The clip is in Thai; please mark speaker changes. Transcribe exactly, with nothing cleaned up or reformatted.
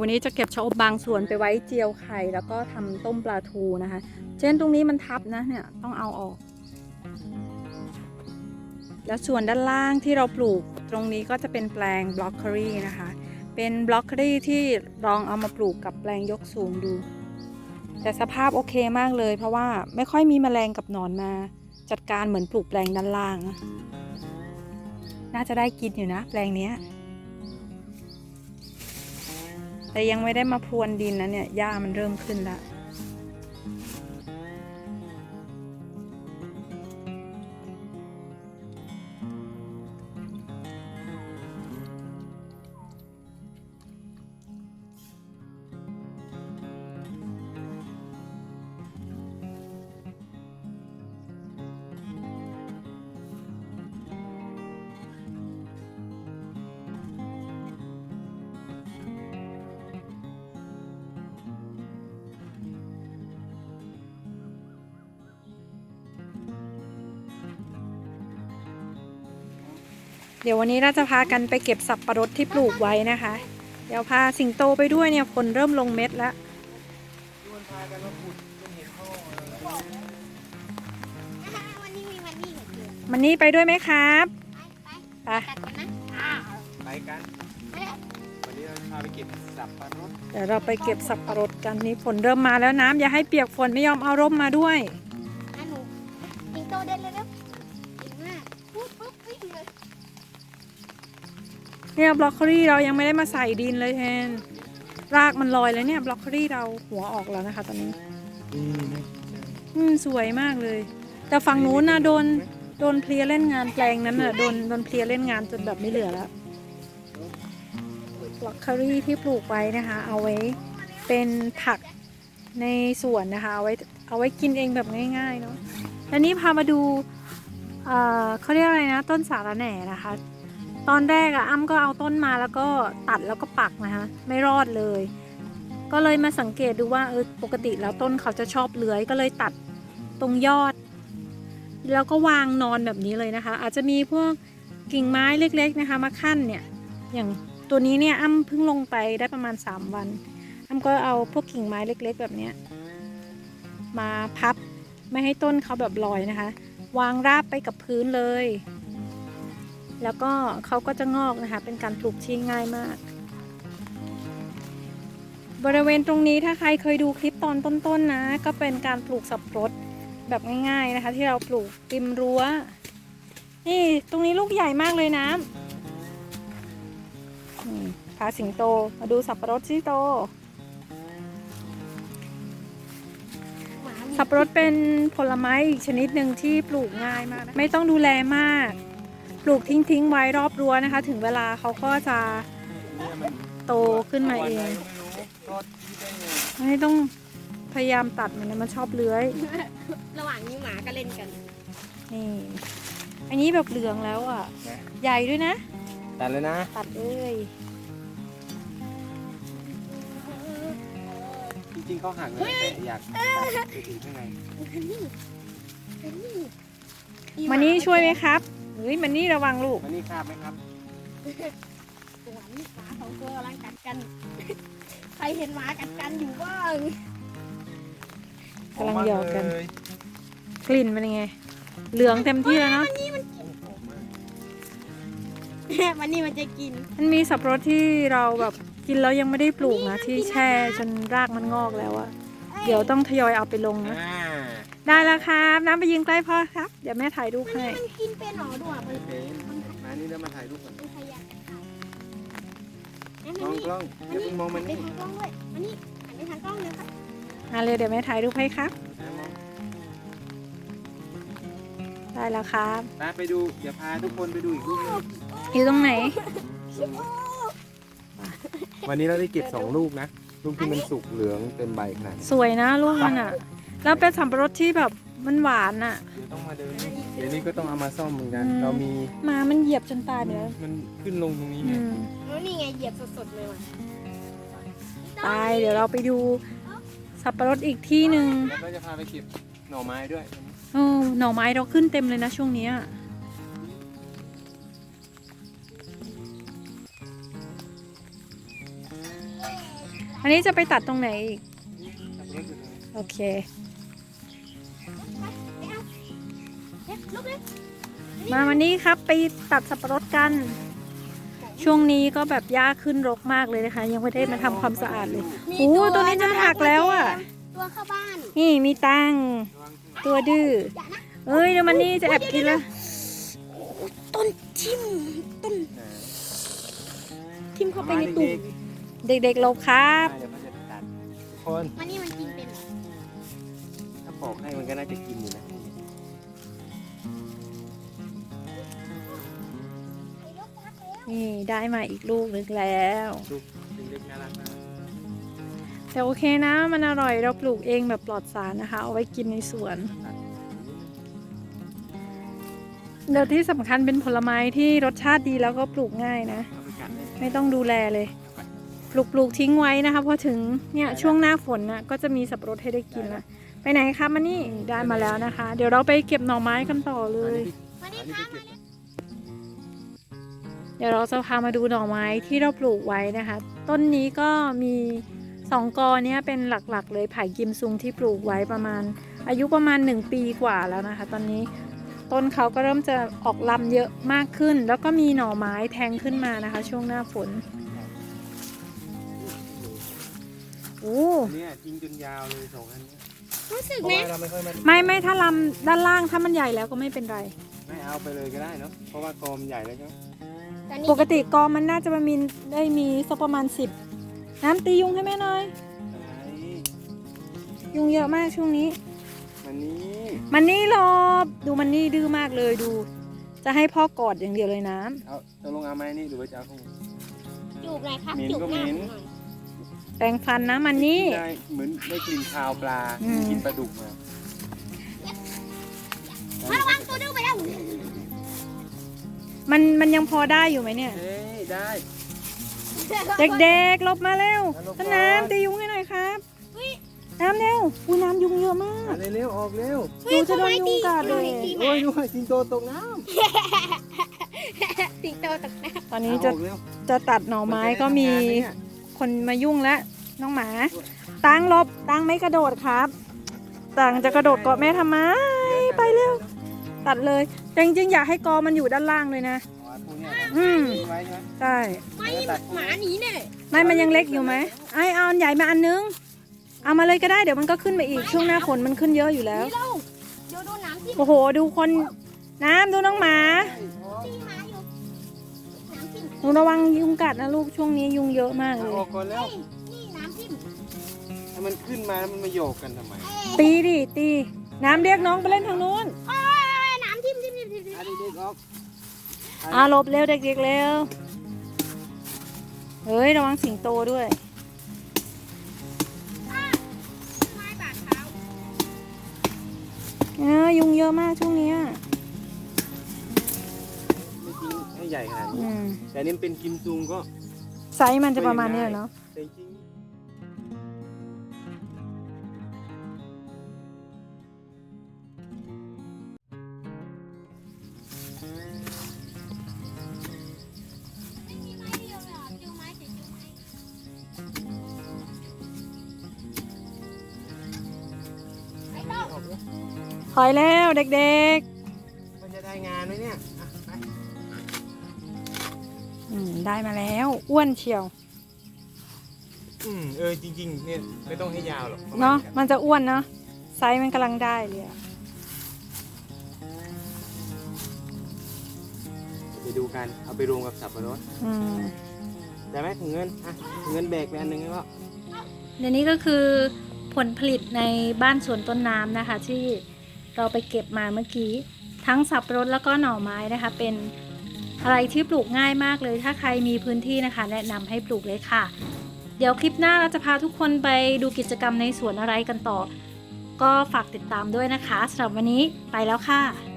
Speaker 1: วันนี้จะเก็บชะอบบางส่วนไปไว้เจียวไข่แล้วก็ทำต้มปลาทูนะคะเช่นตรงนี้มันทับนะเนี่ยต้องเอาออกแล้วส่วนด้านล่างที่เราปลูกตรงนี้ก็จะเป็นแปลงบล็อกโคลีนะคะเป็นบล็อกโคลีที่ลองเอามาปลูกกับแปลงยกสูงดูแต่สภาพโอเคมากเลยเพราะว่าไม่ค่อยมีแมลงกับหนอนมาจัดการเหมือนปลูกแปลงด้านล่างน่าจะได้กินอยู่นะแปลงนี้แต่ยังไม่ได้มาพรวนดินนะเนี่ยหญ้ามันเริ่มขึ้นแล้วเดี๋ยววันนี้เราจะพากันไปเก็บสับปะรดที่ปลูกไว้นะคะเดี๋ยวพาสิงโตไปด้วยเนี่ยฝนเริ่มลงเม็ดแล้วมันนี่ไปด้วยไหมครับไป
Speaker 2: ไปกันวันนี้เราพาไปเก็บสับปะรด
Speaker 1: เดี๋ยวเราไปเก็บสับปะรดกันนี่ฝนเริ่มมาแล้วน้ำอย่าให้เปียกฝนไม่ยอมเอาร่มมาด้วย
Speaker 3: สิงโตเดินเร็วๆเก่งมากปุ๊บปุ๊บวิ่งเลย
Speaker 1: เนี่ยบล็อกโคลี่เรายังไม่ได้มาใส่ดินเลยแทนรากมันลอยแล้วเนี่ยบล็อกโคลี่เราหัวออกแล้วนะคะตอนนี้อืมสวยมากเลยแต่ฝั่งนู้นนะโดนโดนเพลียเล่นงานแปลงนั้นน่ะโดนโดนเพลียเล่นงานจนแบบไม่เหลือแล้วบล็อกโคลี่ที่ปลูกไว้นะคะเอาไว้เป็นผักในสวนนะคะเอาไว้เอาไว้กินเองแบบง่ายๆเนาะแล้วนี่พามาดูเอ่อเขาเรียกอะไรนะต้นสาระแหน่นะคะตอนแรกอะอ้ำก็เอาต้นมาแล้วก็ตัดแล้วก็ปักนะคะไม่รอดเลยก็เลยมาสังเกตดูว่าเออปกติแล้วต้นเขาจะชอบเลื้อยก็เลยตัดตรงยอดแล้วก็วางนอนแบบนี้เลยนะคะอาจจะมีพวกกิ่งไม้เล็กๆนะคะมาขั้นเนี่ยอย่างตัวนี้เนี่ยอ้ำเพิ่งลงไปได้ประมาณสามวันอ้ำก็เอาพวกกิ่งไม้เล็กๆแบบนี้มาพับไม่ให้ต้นเขาแบบลอยนะคะวางราบไปกับพื้นเลยแล้วก็เขาก็จะงอกนะคะเป็นการปลูกที่ง่ายมากบริเวณตรงนี้ถ้าใครเคยดูคลิปตอนต้นๆนะก็เป็นการปลูกสับปะรดแบบง่ายๆนะคะที่เราปลูกริมรั้วนี่ตรงนี้ลูกใหญ่มากเลยนะพาสิงโตมาดูสับปะรดสิโตสับปะรดเป็นผลไม้อีกชนิดหนึ่งที่ปลูกง่ายมากนะไม่ต้องดูแลมากปลูกทิ้งๆไว้รอบรั้วนะคะถึงเวลาเขาก็จะโตขึ้นมาเองไม่ต้องพยายามตัดมันนะมันชอบเลื้อย
Speaker 3: ระหว่างนี้หมาก็เล่นกัน
Speaker 1: นี่อันนี้แบบเหลืองแล้วอ่ะใหญ่ด้วยนะ
Speaker 2: ตัดเลยนะ
Speaker 1: ตัดเลย
Speaker 2: จริงๆเขาหักเลยแต่อยากตัดไปถึงข้างใน
Speaker 1: มันนี่ช่วยไหมครับเฮ้ยมันนี่ระวังลูก
Speaker 2: มันนี่คาบไหมครับ
Speaker 3: ตัวนี้หมาสองตัวกำลังกัดกันใครเห็นหมากัดกันอยู่บ้าง
Speaker 1: กำลังหยอกกันกลิ่นเป็นยังไงเหลืองเต็มที่แล้วเนาะ
Speaker 3: มันนี่มันกินมันนี่มันจะกิน
Speaker 1: มันมีสับปะรดที่เราแบบกินแล้วยังไม่ได้ปลูกนะที่แช่จนรากมันงอกแล้วอะเดี๋ยวต้องทยอยเอาไปลงนะได้แล้วครับน้ำไปยืนใกล้พ่อครับเดี๋ยวแม่ถ่ายรูปให้
Speaker 3: มันกินเป็นหรอด้วย
Speaker 2: มันเป็นมานี่แล้วมาถ่ายรูปก่อนมองกล้องอย่าเพิ่งมองมันนี่
Speaker 3: ทางกล้องด้วยมันนี่หันไปทางกล้องเลยครับ
Speaker 1: มาเลยเดี๋ยวแม่ถ่ายรูปให้ครับได้แล้วครับ
Speaker 2: ไปดูเดี๋ยวพาทุกคนไปดูอีกรูปนึง
Speaker 1: อยู่ตรงไหน
Speaker 2: วันนี้เราได้เก็บสองลูกนะลูกที่มันสุกเหลืองเต็มใบขนาด
Speaker 1: สวยนะลูกมันอ่ะแล้วเป็นสับปะรดที่แบบมันหวานอ่ะ
Speaker 2: เดี๋ยวต้องมาเดินเดี๋ยวนี้ก็ต้องเอามาซ่อมเหมือนกันเรามี
Speaker 1: มามันเหยียบจนตายไปแล้ว
Speaker 2: มันขึ้นลงตรงนี้ไง
Speaker 3: แล้วนี่ไงเหยียบสดๆเลยว่ะ
Speaker 1: ตายเดี๋ยวเราไปดูสับปะรดอีกที่หนึ่ง
Speaker 2: แล้วก็จะพาไปเก็บหน่อไม้ด้วย
Speaker 1: โอ้หน่อไม้เราขึ้นเต็มเลยนะช่วงนี้อันนี้จะไปตัดตรงไหนอีก
Speaker 2: สับปะรดอยู่ตรงนี้
Speaker 1: โอเค
Speaker 3: เด็กลุกเลย
Speaker 1: มาวันนี้ครับไปตัดสับปะรดกัน ช่วงนี้ก็แบบหญ้าขึ้นรกมากเลยนะคะ ยังไม่ได้มาทำความสะอาดเลย โอ้ตัวนี้จะหักแล้วอ่ะ
Speaker 3: ตัวเข้าบ้าน
Speaker 1: นี่มีตัง
Speaker 2: ระวังข้างหลัง
Speaker 1: ตัวดื้อ
Speaker 3: อย่านะ
Speaker 1: เอ้ยเดี๋ยวมันนี่จะแอบกินละ
Speaker 3: ต้นทิ่มต้น
Speaker 2: นะ
Speaker 3: ทิ่มเข้าไปในตุ่ม
Speaker 1: เด็กๆหลบครับ
Speaker 2: เดี๋ยวมันจะตัดทุกคน
Speaker 3: มันนี่มันกินเป็นเหรอ
Speaker 2: ถ้าปอกให้มันก็น่าจะกินอยู่นะ
Speaker 1: นี่ได้มาอีกลูกหนึงแล้ว
Speaker 2: ลูกเล็กๆน่ารักมาก
Speaker 1: แต่โอเคนะ มันอร่อยเราปลูกเองแบบปลอดสารนะคะ เอาไว้กินในสวน
Speaker 2: ตัด
Speaker 1: เดี๋ยวที่สำคัญเป็นผลไม้ที่รสชาติดีแล้วก็ปลูกง่ายนะ
Speaker 2: เอาไปกัดเลย
Speaker 1: ไม่ต้องดูแลเลย ปลูกปลูกทิ้งไว้นะคะพอถึงเนี่ยช่วงหน้าฝนนะก็จะมีสับปะรดให้ได้กินละไปไหนคะมานี่ได้มาแล้วนะคะ เดี๋ยวเราไปเก็บหน่อไม้กันต่อเลย
Speaker 3: มาดิ
Speaker 2: อันนี้
Speaker 3: คะ
Speaker 2: ไปเก็บ
Speaker 1: เดี๋ยวเราจะพามาดูหน่อไม้ที่เราปลูกไว้นะคะ ต้นนี้ก็มีสองกอเนี้ยเป็นหลักๆ เลยไผ่กิมซุงที่ปลูกไว้ประมาณ อายุประมาณหนึ่งปีกว่าแล้วนะคะ ตอนนี้ต้นเขาก็เริ่มจะออกลำเยอะมากขึ้น แล้วก็มีหน่อไม้แทงขึ้นมานะคะ ช่วงหน้าฝนโอ้
Speaker 2: อันเนี้ยจริงจนยาวเลยสองอันเนี้ย
Speaker 3: รู้สึก
Speaker 2: เพราะ
Speaker 3: ไหม
Speaker 2: ว่าเราไม่ค่อยมา
Speaker 1: ไม่ไม่ถ้าลำด้านล่างถ้ามันใหญ่แล้วก็ไม่เป็นไร
Speaker 2: ไม่เอาไปเลยก็ได้เนาะเพราะว่ากอมนใหญ่แล้วใช่ไหม
Speaker 3: แต่นี่
Speaker 1: ปกติกอมันน่าจะมามีได้มีสักประมาณสิบน้ำตียุงให้แม่หน่อย
Speaker 2: อะไร
Speaker 1: ยุงเยอะมากช่วงนี้
Speaker 2: มันนี้
Speaker 1: มันนี่หลบดูมันนี่ดื้อมากเลยดู จะให้พ่อกอดอย่างเดียวเลยน้
Speaker 2: เอาตกลงเอาไหมนี่หรือว่าจะเอาข้างบน
Speaker 3: จูบหน่อยครับ
Speaker 2: เหม็น
Speaker 3: จูบ
Speaker 2: ก็
Speaker 3: หน้า
Speaker 2: เหม็น
Speaker 3: ผมหน่อย
Speaker 1: ำแปรงฟันนะมันนี่
Speaker 2: ได้เหมือนได้กลิ่นคาวปลา
Speaker 1: อืม
Speaker 2: กินปลาดุกมา
Speaker 3: มาระวังตัวดื้อไปแล้ว
Speaker 1: มันมันยังพอได้อยู่ไหมเนี่ย
Speaker 2: เฮ้ยได้
Speaker 1: เด็กๆหลบมาเร็ว
Speaker 2: หลบก่อน
Speaker 1: ต้นน้ำตียุงให้หน่อยครับน้ำเร็วอุ้ยน้ำยุงเยอะมาก
Speaker 2: มาเร็วๆออกเร็ว
Speaker 1: ดูจะโดนยุงกัดเลย
Speaker 2: โอ้ยดูสิงโตตกน้
Speaker 3: สิงโตตกน้
Speaker 1: ตอน
Speaker 2: ำ
Speaker 1: นี้จะ
Speaker 2: ออกเร็ว
Speaker 1: จะตัดหน่อไม้ก็มี
Speaker 2: นจะได้ทำงานไหเนี่ย
Speaker 1: คนมายุ่งแล้วน้องหมาตังหลบตังไม่กระโดดครับตังจะกระโดดเกาะแม่ทำไมไปเร็วตัดเลยแต่จริงๆอยากให้กอมันอยู่ด้านล่างเลยนะ
Speaker 2: อ๋อพวกเนี้ย
Speaker 1: อืม
Speaker 2: ทิ้งไว้ใช่ไหม
Speaker 1: ใช่
Speaker 3: ำไม่หมาหนีเนี่ย
Speaker 1: ไม่มันยังเล็กอยู่ไหมไอเอาอันใหญ่มาอันนึงเอามาเลยก็ได้เดี๋ยวมันก็ขึ้นไปอีกช่วงหน้าฝนมันขึ้นเยอะอยู่แล้ว
Speaker 3: นี่เราเดี๋ยวโดนน้ำทิ่ม
Speaker 1: โอ้โหดูคนน้ำดูน้องหมา
Speaker 3: ตีหมาอยู่น้ำทิ่ม
Speaker 1: หนูระวังยุงกัดนะลูกช่วงนี้ยุงเยอะมากเล
Speaker 2: เอา
Speaker 1: ย
Speaker 2: ออกก่อนแล้ว
Speaker 3: เฮ้ยนี่น้ำทิ่ม
Speaker 2: ถ้ามันขึ้นมาแล้วมันมาโยกกันทำไม
Speaker 1: ตีดิตีน้ำเรียกน้องไปเล่นทางนู้น
Speaker 3: เอ้ยน้ำทิ่มทิ่มทิ่มทิ่มทิ่ม
Speaker 2: อ่ะเด็กๆออก
Speaker 1: อ่าหลบเร็วเด็กๆเร็วเฮ้ยระวังสิงโตด้วย
Speaker 3: ไม้บาดเท้า
Speaker 1: เออยุงเยอะมากช่วงเนี้ย
Speaker 2: ไม่จริงให้ใหญ่ขนาดนี้
Speaker 1: อืม
Speaker 2: แต่นี่มันเป็นกิมซุงก็
Speaker 1: ไซส์มันจะประมาณเนี้ยเนาะ
Speaker 2: แต่จริงออกเลย
Speaker 1: ถอยแล้วเด็ก
Speaker 2: มันจะได้งานไหมเนี่ยอ่ะไป
Speaker 1: ๆอืมได้มาแล้วอ้วนเชียว
Speaker 2: อืมเออจริงๆเนี่ยไม่ต้องให้ยาวหรอกปรมณ
Speaker 1: เนาะมันจะอ้วนเนาะไซส์มันกำลังได้เลยอะ
Speaker 2: ไปดูกันเอาไปรวมกับสับปะรด
Speaker 1: อืม
Speaker 2: ได้ไหมถุงเงินอ่ะถุงเงินแบกไปอันหนึงแล้วก็
Speaker 1: เดี๋ยวนี้ก็คือผลผลิตในบ้านสวนต้นน้ำนะคะ ที่เราไปเก็บมาเมื่อกี้ทั้งสับปะรดแล้วก็หน่อไม้นะคะ เป็นอะไรที่ปลูกง่ายมากเลย ถ้าใครมีพื้นที่นะคะ แนะนำให้ปลูกเลยค่ะ เดี๋ยวคลิปหน้าเราจะพาทุกคนไปดูกิจกรรมในสวนอะไรกันต่อ ก็ฝากติดตามด้วยนะคะสำหรับวันนี้ไปแล้วค่ะ